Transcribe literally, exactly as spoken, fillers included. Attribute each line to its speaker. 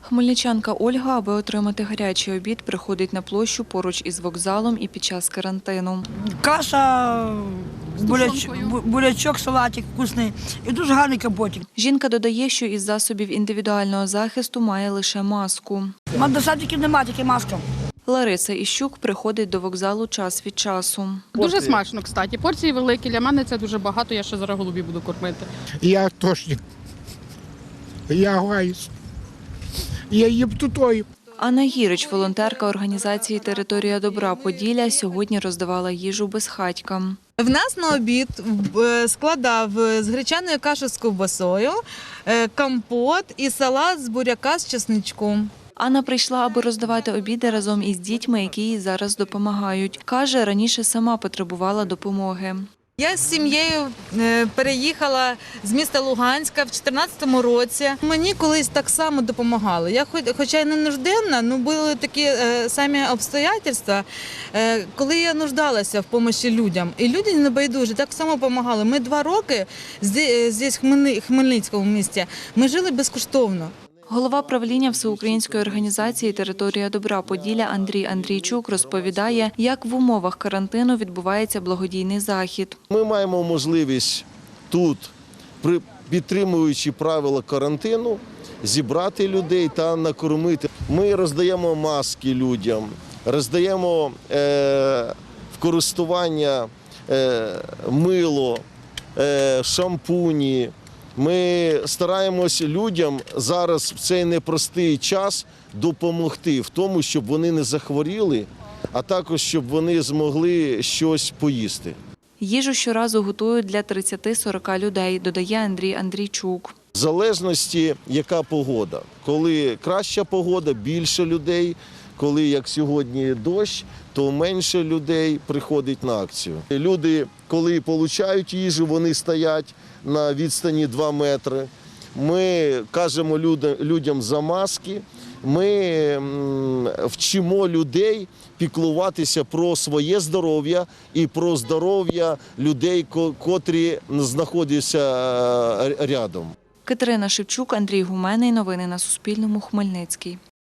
Speaker 1: Хмельничанка Ольга, аби отримати гарячий обід, приходить на площу поруч із вокзалом і під час карантину.
Speaker 2: Каша, буляч, бурячок, салатик вкусний і дуже гарний капотик.
Speaker 1: Жінка додає, що із засобів індивідуального захисту має лише маску.
Speaker 2: Мандасатиків немає, тільки маска.
Speaker 1: Лариса Іщук приходить до вокзалу час від часу.
Speaker 3: Дуже смачно, кстати. Порції великі, для мене це дуже багато, я ще зараз голубі буду кормити.
Speaker 4: Я тошник, я гаюсь, я їм тутою.
Speaker 1: Анна Гірич, волонтерка організації «Територія добра» Поділля, сьогодні роздавала їжу безхатькам.
Speaker 5: В нас на обід е, складав з гречаною кашею з ковбасою, е, компот і салат з буряка з чесничком.
Speaker 1: Анна прийшла, аби роздавати обіди разом із дітьми, які їй зараз допомагають. Каже, раніше сама потребувала допомоги.
Speaker 5: Я з сім'єю е, переїхала з міста Луганська в чотирнадцятому році. Мені колись так само допомагали. Я хоч, хоча й не нужденна, але були такі е, самі обстоятельства, е, коли я нуждалася в допомогі людям. І люди не байдужі, так само допомагали. Ми два роки здесь, в Хмельницькому місті, ми жили безкоштовно.
Speaker 1: Голова правління всеукраїнської організації «Територія добра» Поділля Андрій Андрійчук розповідає, як в умовах карантину відбувається благодійний захід.
Speaker 6: Ми маємо можливість тут, підтримуючи правила карантину, зібрати людей та накормити. Ми роздаємо маски людям, роздаємо е, в користування е, мило, е, шампуні. Ми стараємось людям зараз в цей непростий час допомогти в тому, щоб вони не захворіли, а також щоб вони змогли щось поїсти.
Speaker 1: Їжу щоразу готують для тридцяти-сорока людей, додає Андрій Андрійчук.
Speaker 6: В залежності, яка погода. Коли краща погода, більше людей. Коли, як сьогодні, дощ, то менше людей приходить на акцію. Люди, коли отримують їжу, вони стоять на відстані два метри. Ми кажемо людям за маски, ми вчимо людей піклуватися про своє здоров'я і про здоров'я людей, котрі знаходяться рядом.
Speaker 1: Катерина Шевчук, Андрій Гуменний. Новини на Суспільному. Хмельницький.